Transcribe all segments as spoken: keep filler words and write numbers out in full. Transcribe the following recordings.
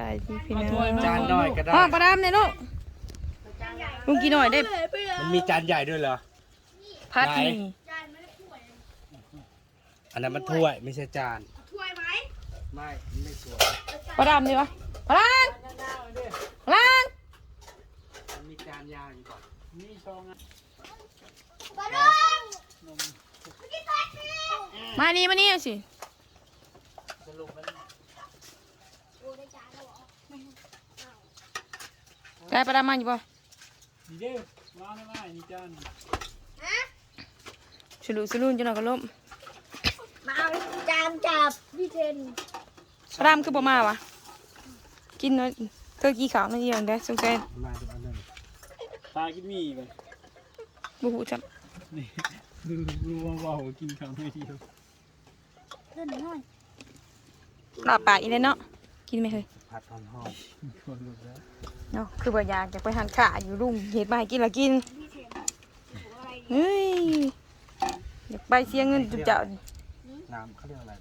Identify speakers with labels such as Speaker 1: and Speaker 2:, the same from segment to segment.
Speaker 1: ายดีพี่น้อง
Speaker 2: จานหน่อยก็ได้
Speaker 1: ห้องประดามเนี่ยลูกลุงกินหน่อยได้
Speaker 2: มันมีจานใหญ่ด้วยเหรอ
Speaker 1: พัดนี่
Speaker 2: อันนั้นมันถ้วยไม่ใช่จาน
Speaker 3: ถ้วยไหม
Speaker 2: ไม่ไม่สวย
Speaker 1: ประดามดีวะประดามประดาม
Speaker 2: มันมีจานยาวอยู่ก่อนมีซอง
Speaker 3: บอลลูน
Speaker 1: มานี่มานี่สิ
Speaker 2: สรุปมัน
Speaker 1: ได้ประดามมาอยู่ป่ะ
Speaker 4: นี่เด้อมาไม่ไม่นี่จาน
Speaker 1: ฉลุสลุนจนหน่อยก็ล้ม
Speaker 3: มาเอาจานจับพี่เทน
Speaker 1: ประดามคือบ่มาวะกินเนาะเธอกี่ขาวนั่นเองได้สงสัย
Speaker 2: มาดูอันนั้น
Speaker 4: ตากินมีไป
Speaker 1: บุหูจับ
Speaker 4: นี่ดูดูว่าว่ากินคำไม่เดียว
Speaker 3: เพิ่นน้อย
Speaker 1: ลาบปากอีเลยเนาะกินไหมเฮ้ย
Speaker 2: ผัดหอมหอม
Speaker 4: คนรู้แล้ว
Speaker 1: เนาะคือบ่อยากจะไปทานข้าอยู่รุ่งเห็ดมาให้กินละกินเฮ้ยอยากไปเสียเงินจุดเจ้า
Speaker 2: น้ำเขาเรียกอะไร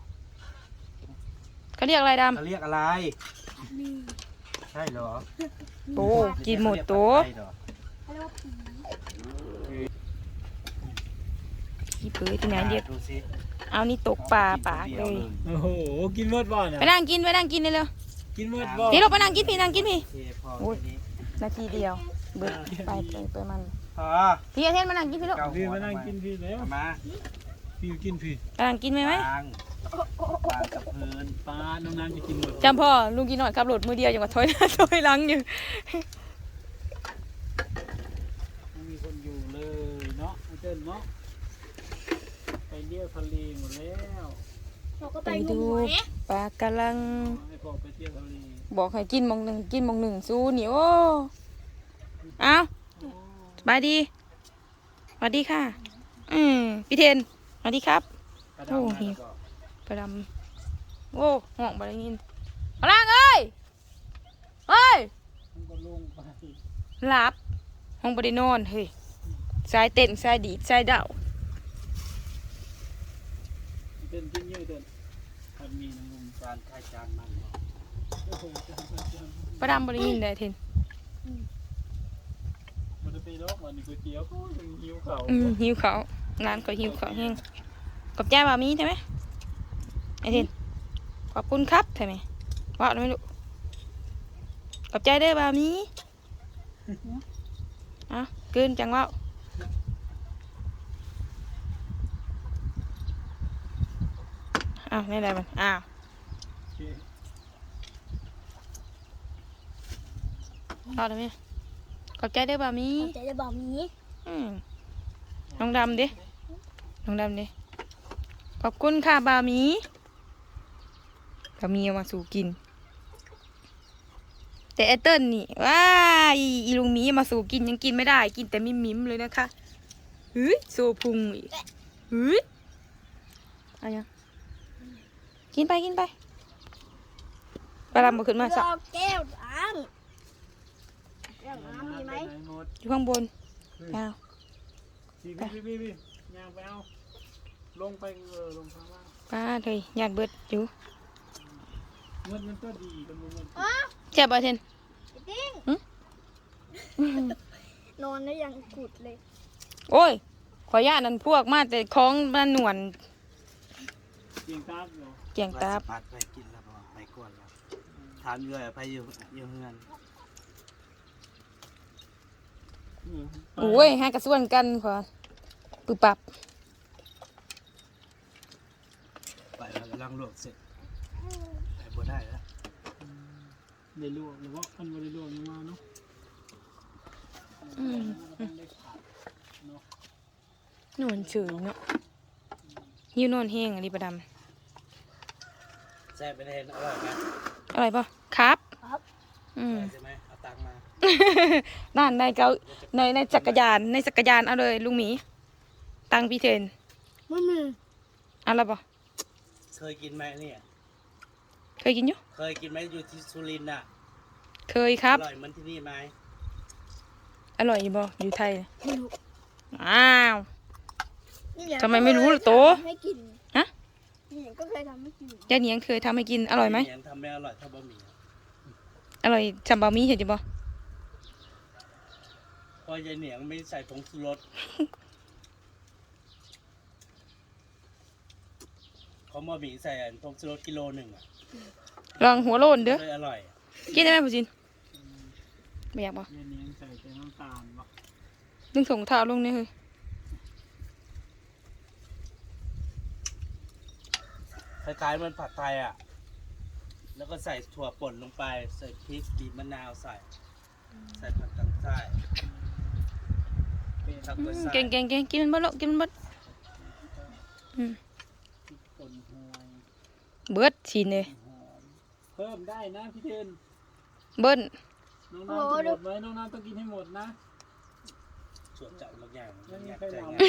Speaker 1: เขาเรียกอะไรด
Speaker 2: เขาเรียกอะไรใช่เหรอ
Speaker 1: ำโตกินหมดโต
Speaker 2: ใช่เหรอ
Speaker 1: พี่เผยที่ไหนเรียก
Speaker 2: ดูสิ
Speaker 1: เอานี่ตกปลาปากเลย
Speaker 4: โอ้โหกินเมื่อบ่อนอ่ะ
Speaker 1: ไปนั่งกินไปนั่งกินเลยเร็ว
Speaker 4: กินเมื่อบ่อ
Speaker 1: พี่ลูกไปนั่งกินพี่นั่งกินพี่
Speaker 2: เทพอ
Speaker 1: โอ้ย
Speaker 2: ทีนี้
Speaker 1: นาทีเดียวเบิดไปไปไปมัน
Speaker 2: พอ
Speaker 1: พี่อาเทนมานั่งกินพี่ลูก
Speaker 2: เกา
Speaker 4: พี่
Speaker 2: หัว
Speaker 4: มานั่งกินพี่แล้ว
Speaker 2: เอามา
Speaker 4: พี่กินพี่
Speaker 1: ไปนั่งกินไหมไหม
Speaker 2: วางวางกับพื้น
Speaker 4: ปลาน้องน้ำจะกินหมด
Speaker 1: จำพ่อลุงกินหน่อยขับรถมือเดียวอย่างกับถอยหน้าถอยหลังอยู่
Speaker 4: ไม่มีคนอยู่เลยเนาะเต้นเนาะไปเที่ยวทะเลหมดแล้ว
Speaker 3: เราก็
Speaker 1: ไป
Speaker 3: ไปง
Speaker 1: ดู
Speaker 3: มหอย
Speaker 1: ปลากำลัง
Speaker 4: ให้พ่อไปเที่ยวทะเล
Speaker 1: บอกให้กินหมองหนึ่งกินหมองหนึ่งสู้นี่โอ้เอาสบายดีสวัสดีค่ะอืมพี่เทนสวัสดีครับ
Speaker 4: กระดาษ
Speaker 1: โอ้
Speaker 4: มา
Speaker 1: หิว
Speaker 4: แล้วก็
Speaker 1: ไปดำโอ้ห้องบารินพลังเอ้ยเฮ้ย
Speaker 4: มันก็ลงไป
Speaker 1: หลับห้องบริโนอนเฮ้ยสายเต้นสายดีดสายเดา
Speaker 4: เต้นกินเยอะเต้นทำมีน้ำนม
Speaker 2: จานใครจานมัน
Speaker 4: โอ้โหจานจานจาน
Speaker 1: ประดำบริยินได้เทน
Speaker 4: มันจะไปรอบวันนี้ก๋วยเตี๋ยวก็ยังหิวเข่า
Speaker 1: อืมหิวเขาวร้านก็หิวเขาวแห้งกับแจ้บามีใช่ไหมไอเทนขอบคุณครับใช่ไหมว่าไม่รู้กับใจเด้อบามีอ่ะเกินจังว่าอ้าวนี่อะไรมันอ้าว
Speaker 4: โอเค
Speaker 1: เอาได้ไหมขอบใจเด้อบามี
Speaker 3: แต่จะบอกมี
Speaker 1: อืมน้องดำดิน้องดำดิขอบคุณค่ะบามีบามีเอามาสู่กิน แต่ไอเติ้ลนี่ว้าอีอีลุงหมีมาสู่กินยังกินไม่ได้กินแต่มิมมิมเลยนะคะเฮ้ยโซพุงอีกเฮ้ยอะไรยังกินไปกินไปปลาลำมาขึ้นมาสัก
Speaker 3: รอแก้วน้ำแก้วน้ำมีไหม
Speaker 4: ปหนด
Speaker 1: อยู่ข้างบนอ้าว
Speaker 4: พี่พี่พี่พี่ย่างไปเอาลงไปเออลงข้างล่าง
Speaker 1: ป้าเลยหยาดเบิดอยู่
Speaker 4: เงินมันก็ดีกันมัน
Speaker 3: อ๋อ
Speaker 1: เจ็บบ่เทน
Speaker 3: ติ้ง
Speaker 1: หึ
Speaker 3: นอนแล้วยังกุดเลย
Speaker 1: โอ้ยขอญาตนั่นพวกมาแต่ของมันหนวน
Speaker 4: เสียงตาบเหรอ
Speaker 1: เกี่ยงตาบ
Speaker 2: ปัดไปกินแล้วพอไปกวนแล้วถามเลยไปอยู่อยู่เฮือน
Speaker 1: โอ้ยให้กระส่วนกันพอปึบปับ
Speaker 2: ไปแล้วกำลังลวกเสร็จไปบ่ได้แล้ว
Speaker 4: ได้ลวกหรือว่าอันว่าได้ลวกยังมาเนาะ
Speaker 1: อืม
Speaker 4: ได้ขาดเนาะ
Speaker 1: นวลเฉยเนาะหิวนอนแห้งอะไรประด
Speaker 2: แซ่บไปเห็นอร่อยไหม
Speaker 1: ำอะไรป่ะครับ
Speaker 3: ครับ
Speaker 1: อืม
Speaker 2: ใช่ไหมเอาตังค์มา
Speaker 1: นั่นในเกาในในจักรยานในจักรยานเอาเลยลุงหมีตังพี่เทน
Speaker 3: ไม่มี
Speaker 1: เอะไรป่ะ
Speaker 2: เคยกินไหมเนี่ย
Speaker 1: เคยกินอยู่
Speaker 2: เคยกินไหมอยู่ที่สุรินทร์อ่ะ
Speaker 1: เคยครับ
Speaker 2: อร่อยเหมือนที่นี่ไหม
Speaker 1: อร่อยอยู่บ่อยู่ไทย
Speaker 3: ไม่รู้
Speaker 1: อ้าว
Speaker 3: นี่แหละ
Speaker 1: ทำไมไม่รู้ล่ะโต
Speaker 3: ให้กิน
Speaker 1: ฮะ
Speaker 3: นี่ก็เคยทำให้กิน
Speaker 1: ยายเหนียงเคยทำให้กินอร่อยไหม
Speaker 2: ยังทำไม่อร่อยเท่าบะหมี่อะ
Speaker 1: อร่อยจำบะหมี่เห็นจิบ่
Speaker 2: พอยายเหนียงไม่ใส่ผงชูรสเขามาบีใส่ผงชูรสกิโลหนึ่งอ่ะ
Speaker 1: ลองหัวโลนเด้อ
Speaker 2: เลยอร่อย
Speaker 1: กินได้ไหมผู้ชินไม่อยากบ่
Speaker 4: เย็นนี้ใส่แต่น้ำตาลบ่
Speaker 1: ดึงส่งเท้าลงนี่เฮ้ย
Speaker 2: คล้ายๆมันผัดไทยอ่ะ แล้วก็ใส่ถั่วป่นลงไป ใส่พริกบีบมะนาวใส่ ใส่ผักตังใต้
Speaker 4: เป็น
Speaker 2: ทักไปใส่
Speaker 1: เก่งเก่งเก่งกินมันเบ่ลูกกินมันเบิดอืม
Speaker 4: พริกป่นหวย
Speaker 1: เบิดชินเลย
Speaker 4: หอมเพิ่มได้นะพี่เทน
Speaker 1: เบิ้ล
Speaker 4: น้องน้ำจะหมดไหมน้องน้ำต้องกินให้หมดนะ
Speaker 2: ส่วนจัดบางอย่าง
Speaker 4: ไม่
Speaker 2: อ
Speaker 4: มี
Speaker 2: ยาก
Speaker 4: ใคร
Speaker 2: ใจ
Speaker 4: ลอง
Speaker 2: ง่าย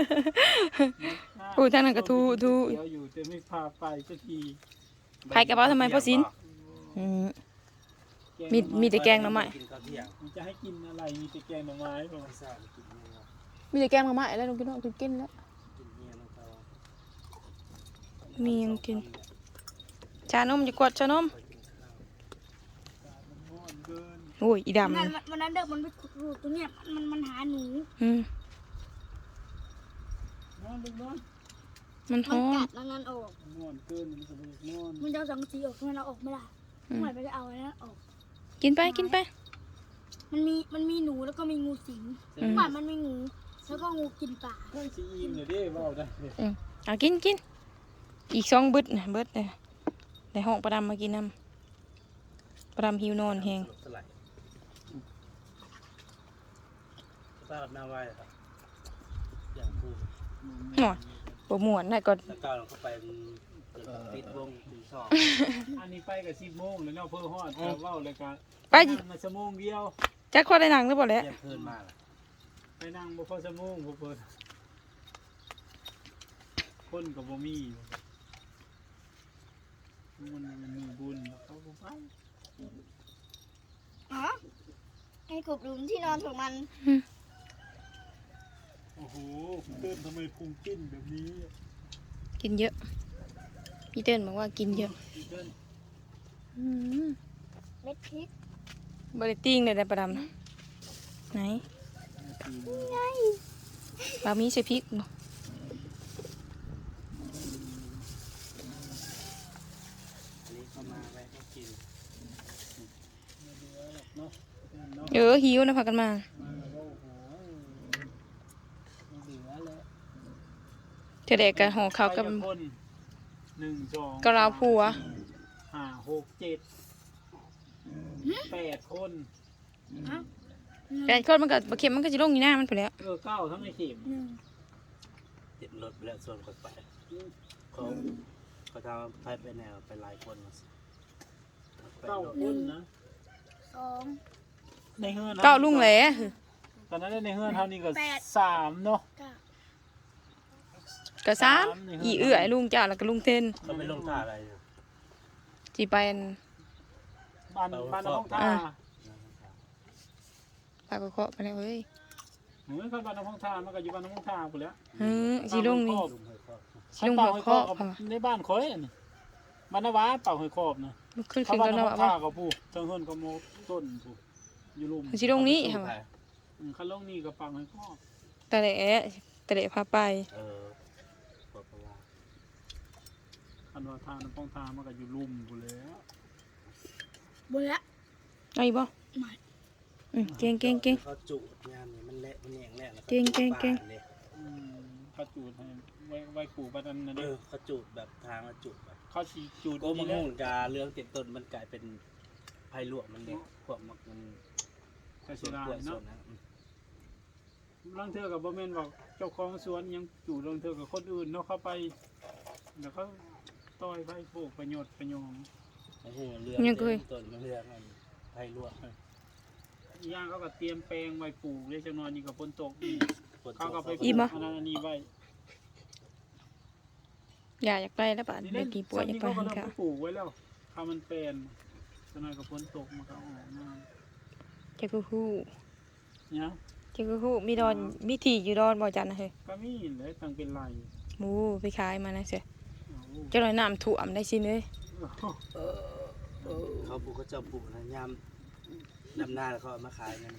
Speaker 1: อู้ท่านนั้นก็ทูทู
Speaker 4: เดี๋ยวอยู่แต่ไม่พาไปสักที
Speaker 1: ใครกระเป๋าทำไมพ่อสินอืม มีมีแต่แกงหน่อไม้
Speaker 2: กินข้าวเที่ยง
Speaker 4: มันจะให้กินอะไรมีแต่แกงหน่อไม้ผม
Speaker 2: ไม่ทราบกินเนื้อ
Speaker 1: มีแต่แกงมาม่าแล้วลุงกินว่ากินกินแล้ว
Speaker 2: กินเนื้อน้องเขา
Speaker 1: มียังกิน ชานมจะกดชานม
Speaker 2: ไปกินข้าว
Speaker 4: มันง่อนเกิน
Speaker 1: โอ้ยอี
Speaker 3: วัน
Speaker 1: ดำ
Speaker 3: นั้
Speaker 1: นั่
Speaker 3: น
Speaker 1: น
Speaker 3: วันนั้นเด็กมันไปขุดรูตรงเนี้ยมันมันหาหนู
Speaker 1: อืม
Speaker 4: ง่อนลูกน้อน
Speaker 1: มัน
Speaker 3: มั
Speaker 1: ท้
Speaker 3: น
Speaker 1: อง
Speaker 3: กัดแล้วนั้นออก
Speaker 4: มันง่อนเกินมันก็เลยง่อน
Speaker 3: มันจะเอาสังกะสีออกมันเอาออกไม่ได้
Speaker 1: อืม
Speaker 3: เหมือนไปจะเอาอันนั้นออก
Speaker 1: กินไปกินไป
Speaker 3: มันมีมันมีหนูแล้วก็มีงูสิง
Speaker 1: อืม
Speaker 3: เหมือนมันมีงูแล้วก็งูกินปลา
Speaker 4: เฮ้ยซีอินเลยเด้เบาได้เลย
Speaker 1: อืมเอากินกินอีกสองเบิดนะเบิดเลยในห้องประดำมากินน้ำประดำหิวนอนแหง
Speaker 2: สลัดป้ากับหน้าไหว้ครับ อย่างพูด
Speaker 1: หน่อยปวดหมวนน่ะก็
Speaker 2: แล้วก้าวลงเข้าไปมันเกิดปิดวงตีสอง
Speaker 4: อันนี้ไปกับสิบโมงแล้วเนาะเพื่อฮอดแต่เว้าเลยกัน
Speaker 1: ไป
Speaker 4: นั่งมาชั่วโมงเดียว
Speaker 1: จักข้อได้หนังหรือเปล่าแหละ
Speaker 2: เที่ยงคืนมาล่ะ
Speaker 4: ไปนั่งบ่พอชั่วโมงบ่เปิดคนกับบ่มีมันมันมีบุญเขาบ่ไป
Speaker 3: อ๋อไอ้กบหลุมที่นอนของมัน
Speaker 4: โอ้โหเต้นทำไมพุงจิ้นแบบนี้
Speaker 1: กินเยอะพี่เติ้ลบอกว่ากินเยอะ
Speaker 4: พี่เต้น
Speaker 1: อืม
Speaker 3: เม็ดพริก
Speaker 1: บริติ้งเลยนะประดำไหนบะหมี่ใส่พริกบ่
Speaker 2: อันนี้เข้ามาไว้ให้กิน
Speaker 4: ไม่เหลือหรอกเนาะเต้นเนาะ
Speaker 1: เออหิวนะพากันมา
Speaker 4: มาแล้วโอ้โหไม่เหลือแล้ว
Speaker 1: เธอเด็กกันห่อข้าวกับ
Speaker 4: ไปคนหนึ่งสอง
Speaker 1: กะลาผัว
Speaker 4: ห้าหกเจ็ดแปดคน
Speaker 3: ฮะ
Speaker 1: แปดคนมันก็บะเข็มมันก็จะลงอยู่หน้ามันไปแล้ว
Speaker 4: เออเก้าทั้งในเข็ม
Speaker 3: หนึ่ง
Speaker 2: ติดรถไปแล้วส่วนคนไปเขาเขาทำไปไปแนวไปหลายคนมาสิไป
Speaker 4: เก้าร
Speaker 2: ถ
Speaker 4: คนนะ
Speaker 3: สอง
Speaker 4: ในเฮือน
Speaker 1: เก้าลุงแหล่
Speaker 4: ตอนนั้นในเฮือนเท่านี้ก็
Speaker 3: แปด
Speaker 4: สามเนาะ
Speaker 3: เก้า
Speaker 1: ก็สามอีเอื้อยลุงจ้าแล้วก็ลุงเทน
Speaker 2: เขาไม่ลงท่าอะไรเนี่ย
Speaker 1: จีไปอัน
Speaker 4: บ้านบ้านน้องท่า
Speaker 1: อ่า ปากก็เคาะไปแล้วเฮ้ย
Speaker 4: หนูไม่ค่อยบ้านน้องท่ามันก็อยู่บ้านน้องท่ากูแล้ว
Speaker 1: เฮ้ยสีลงนี่
Speaker 2: ลุงเคยครอบ
Speaker 1: สีลงหัวเคาะ
Speaker 4: กับ
Speaker 1: ค่ะ
Speaker 4: ในบ้านคอยอันนี้บ้านนาวาเป่าหอยครอบนะ
Speaker 1: มันขึ้น
Speaker 4: เขา
Speaker 1: ขึ้น
Speaker 4: บ้าน
Speaker 1: กัน
Speaker 4: น้
Speaker 1: แล้ว
Speaker 4: อง
Speaker 1: ว่า
Speaker 4: ท่ากับผู้เทิงเฮือนกับโมต้นผู้อยู่ลุ่ม
Speaker 1: สีลงนี้ค่ะ
Speaker 4: อืมคันลงนี่กับปังหอยครอบ
Speaker 1: แต่เละแต่เละพาไป
Speaker 2: เออบอกเขาว่า
Speaker 4: คันว่าทาน้ำปองทามันก็อยู่ลุ่มกูแล้ว
Speaker 3: บนละ
Speaker 1: เอาอีกบ่
Speaker 3: ไม่
Speaker 1: อืมเก่งเก่งเก่ง
Speaker 2: เขาจุงานนี่มันเละมันแหงแหละแล้ว
Speaker 1: เก่งเก่งเก่ง
Speaker 2: ป่านี่ย
Speaker 4: อืมเขาจูดให้ไว้ไว้ปลูกบ้านนั้นนะ
Speaker 2: เอ
Speaker 4: เด้
Speaker 2: อ
Speaker 4: อ
Speaker 2: เขาจุดแบบทางเขาจุดแบบ
Speaker 4: เขาสีจูด
Speaker 2: โก้มะ
Speaker 4: นี่แหละ
Speaker 2: ม่วงกาเรื่องเต็มต้นมันกลายเป็นไผ่ลวกมันเนี่ยพวกมันมัน
Speaker 4: ก็
Speaker 2: ส่
Speaker 4: เสี
Speaker 2: วย น
Speaker 4: ดาย
Speaker 2: กล้วยส่
Speaker 4: เนาะ
Speaker 2: วนนั้นอืม
Speaker 4: ลางเทื่อกับบ่แม่นบอกเจ้าของสวนยังจูดลางเทื่อกับคนอื่นเนาะเข้าไปแล้วเขาต่อยไปปลูกประโยชน์ประโยชน์
Speaker 2: ไอ้พวกมันเรื่องเต็มต้นมันเรื่องมันไผ่ลวก
Speaker 4: อีกอย่างเขาก็เตรียมแปลงไว้ปลูกเลยจังนอนนี่กับฝนตกอีก
Speaker 2: ฝนต
Speaker 4: เขาก็ไปป
Speaker 1: อิ่
Speaker 4: ลู
Speaker 1: ม
Speaker 4: ก
Speaker 1: ปะ
Speaker 4: อันนั้นอันนี้ไว้
Speaker 1: อย่าอยากไปแล้วป่ะ
Speaker 4: นี่
Speaker 1: เด็
Speaker 4: เล่
Speaker 1: ก
Speaker 4: น
Speaker 1: กี่ป่วยอยาก
Speaker 4: ซ้ำ
Speaker 1: ไป
Speaker 4: นี่
Speaker 1: หั
Speaker 4: เขา
Speaker 1: น
Speaker 4: ก็เริ่ม
Speaker 1: ค่ะ
Speaker 4: ไปปลูกไว้แล้วถ้ามันแปลนจังนอนกับฝนตกมันก็ออกมา
Speaker 1: เจ้ากูฮู้
Speaker 4: เนี่ย
Speaker 1: เจ้ากูฮู้มีดอนมีที่อยู่ดอนบ่จันนะเฮ้ย
Speaker 4: ก็มีเลยตั้งเป็นไร
Speaker 1: หมูไปขายมานะเสีย
Speaker 4: เอา
Speaker 1: เจ้าหน่อยน้ำท่วมได้สิเอ้ย
Speaker 2: เขาปลูกเขาจะปลูกนะยามดำหน้าแล้วเขาเอามาขายกัน
Speaker 4: พ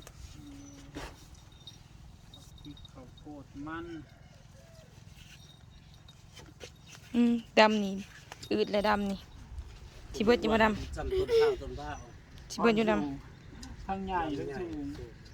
Speaker 4: ริกข้าวโพดมัน
Speaker 1: อืมดำนี่อืดและดำนี่ชิเบิดจิบด
Speaker 2: จำต้นข้าวต้นผ้า
Speaker 1: ำชิเบิดอยู่ดำ
Speaker 4: ทั้งใหญ่ทั้งสูง